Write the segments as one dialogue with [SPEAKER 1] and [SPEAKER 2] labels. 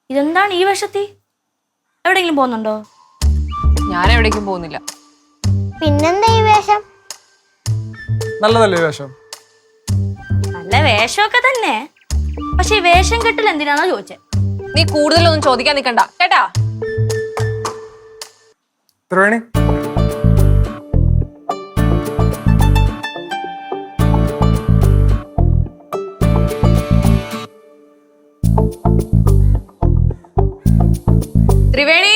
[SPEAKER 1] ഇതെന്താണ് ഈ വേഷത്തി? എവിടെയെങ്കിലും പോകുന്നുണ്ടോ?
[SPEAKER 2] ഞാൻ എവിടേക്കും പോകുന്നില്ല.
[SPEAKER 3] പിന്നെന്താ ഈ വേഷം?
[SPEAKER 4] നല്ലതല്ലേ വേഷം?
[SPEAKER 1] നല്ല വേഷമൊക്കെ തന്നെ. പക്ഷെ ഈ വേഷം കെട്ടിൽ എന്തിനാണോ ചോദിച്ചേ?
[SPEAKER 2] നീ കൂടുതലൊന്നും ചോദിക്കാൻ നിൽക്കണ്ട കേട്ടാ.
[SPEAKER 4] ത്രിവേണി,
[SPEAKER 2] ത്രിവേണി,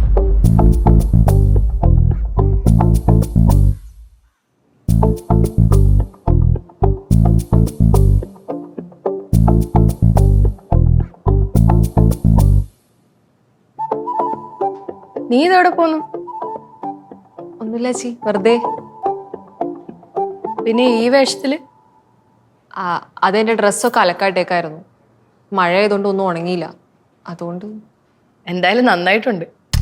[SPEAKER 1] നീ ഇതെവിടെ പോന്നു?
[SPEAKER 2] ഒന്നുമില്ല ചേച്ചി, വെറുതെ.
[SPEAKER 1] പിന്നെ ഈ വേഷത്തില്?
[SPEAKER 2] അതെന്റെ ഡ്രസ്സൊക്കെ അലക്കായിട്ടേക്കായിരുന്നു. മഴ ആയതുകൊണ്ട് ഒന്നും ഉണങ്ങിയില്ല, അതുകൊണ്ട്.
[SPEAKER 1] എന്തായാലും നന്നായിട്ടുണ്ട്.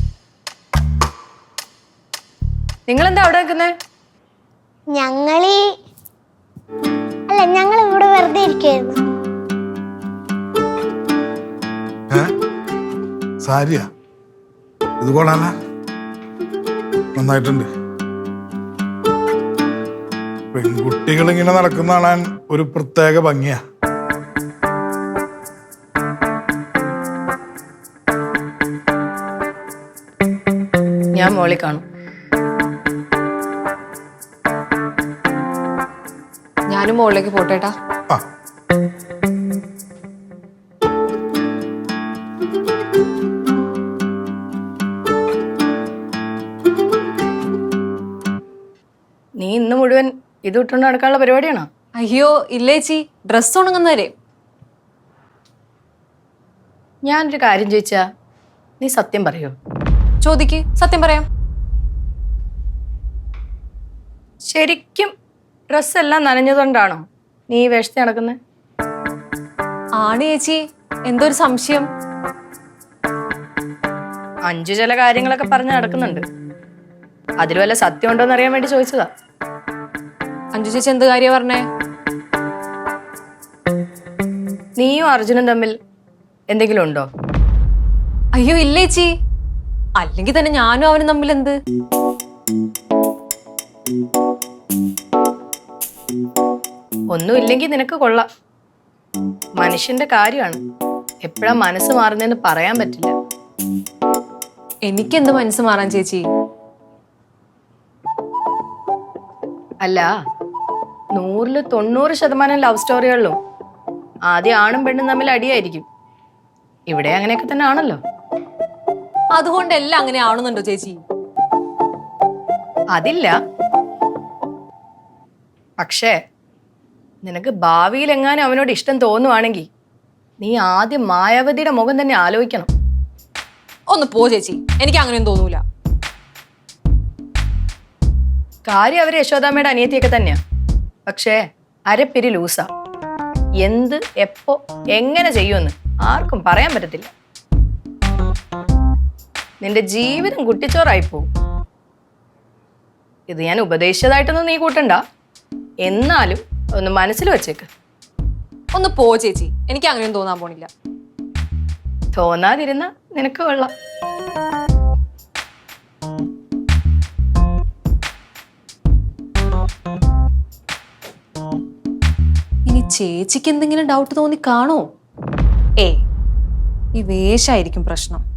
[SPEAKER 1] നിങ്ങളെന്താ അവിടെ നിൽക്കുന്നേ?
[SPEAKER 3] ഞങ്ങൾ ഇവിടെ വെറുതെ ഇരിക്കായിരുന്നു.
[SPEAKER 5] സാരിയാ ഇത് കൊള്ളാല, നന്നായിട്ടുണ്ട്. പെൺകുട്ടികൾ ഇങ്ങനെ നടക്കുന്ന കാണാൻ ഒരു പ്രത്യേക ഭംഗിയാ.
[SPEAKER 1] ഞാൻ മോളി കാണും.
[SPEAKER 2] ഞാനും മുകളിലേക്ക് പോട്ടേട്ടാ.
[SPEAKER 5] ആ
[SPEAKER 1] നീ ഇന്ന് മുഴുവൻ ഇത് ഇട്ടുകൊണ്ട് നടക്കാനുള്ള പരിപാടിയാണോ?
[SPEAKER 2] അയ്യോ ഇല്ല ചേച്ചി, ഡ്രസ്സ് ഉണങ്ങുന്നവരെ.
[SPEAKER 1] ഞാനൊരു കാര്യം ചോദിച്ചാ നീ സത്യം പറയോ?
[SPEAKER 2] ചോദിക്ക്, സത്യം പറയാം.
[SPEAKER 1] ശരിക്കും ഡ്രസ്സെല്ലാം നനഞ്ഞതുകൊണ്ടാണോ നീ ഈ വേഷത്തിൽ നടക്കുന്നത്?
[SPEAKER 2] ആണ് ചേച്ചി, എന്തൊരു സംശയം.
[SPEAKER 1] അഞ്ചു ചില കാര്യങ്ങളൊക്കെ പറഞ്ഞ് നടക്കുന്നുണ്ട്. അതിൽ വല്ല സത്യം ഉണ്ടോന്ന് അറിയാൻ വേണ്ടി ചോദിച്ചതാ.
[SPEAKER 2] അഞ്ജു ചേച്ചി എന്ത് കാര്യ പറഞ്ഞേ?
[SPEAKER 1] നീയും അർജുനും തമ്മിൽ എന്തെങ്കിലും ഉണ്ടോ?
[SPEAKER 2] അയ്യോ ഇല്ല ചേച്ചി, അല്ലെങ്കിൽ തന്നെ ഞാനും അവനും തമ്മിൽ എന്ത്?
[SPEAKER 1] ഒന്നുമില്ലെങ്കിൽ നിനക്ക് കൊള്ളാം. മനുഷ്യന്റെ കാര്യമാണ്, എപ്പോഴാ മനസ്സ് മാറുന്നതെന്ന് പറയാൻ പറ്റില്ല.
[SPEAKER 2] എനിക്കെന്ത് മനസ്സ് മാറാൻ ചേച്ചി?
[SPEAKER 1] അല്ല, 100% ലവ് സ്റ്റോറികളിലും ആദ്യം ആണും പെണ്ണും തമ്മിൽ അടിയായിരിക്കും. ഇവിടെ അങ്ങനെയൊക്കെ തന്നെ ആണല്ലോ.
[SPEAKER 2] അതുകൊണ്ട് എല്ലാം അങ്ങനെ ആവണമെന്നുണ്ടോ ചേച്ചി?
[SPEAKER 1] അതില്ല. പക്ഷേ നിനക്ക് ഭാവിയിൽ എങ്ങാനും അവനോട് ഇഷ്ടം തോന്നുവാണെങ്കിൽ നീ ആദ്യം മായാവതിയുടെ മുഖം തന്നെ ആലോചിക്കണം.
[SPEAKER 2] ഒന്ന് പോ ചേച്ചി, എനിക്ക് അങ്ങനെയൊന്നും തോന്നൂല.
[SPEAKER 1] കാര്യം അവര് യശോദാമ്മയുടെ അനിയത്തിയൊക്കെ തന്നെയാ. പക്ഷേ അരപ്പിരി ലൂസാ. എന്ത് എപ്പോ എങ്ങനെ ചെയ്യുമെന്ന് ആർക്കും പറയാൻ പറ്റത്തില്ല. നിന്റെ ജീവിതം കുട്ടിച്ചോറായിപ്പോവും. ഇത് ഞാൻ ഉപദേശിച്ചതായിട്ടൊന്നും നീ കൂട്ടണ്ട. എന്നാലും ഒന്ന് മനസ്സിൽ വെച്ചേക്ക്.
[SPEAKER 2] ഒന്ന് പോ ചേച്ചി, എനിക്ക് അങ്ങനെയൊന്നും തോന്നാൻ പോണില്ല.
[SPEAKER 1] തോന്നാതിരുന്ന നിനക്ക് കൊള്ളാം.
[SPEAKER 2] ഇനി ചേച്ചിക്ക് എന്തെങ്കിലും ഡൗട്ട് തോന്നി കാണോ? ഈ വേഷായിരിക്കും പ്രശ്നം.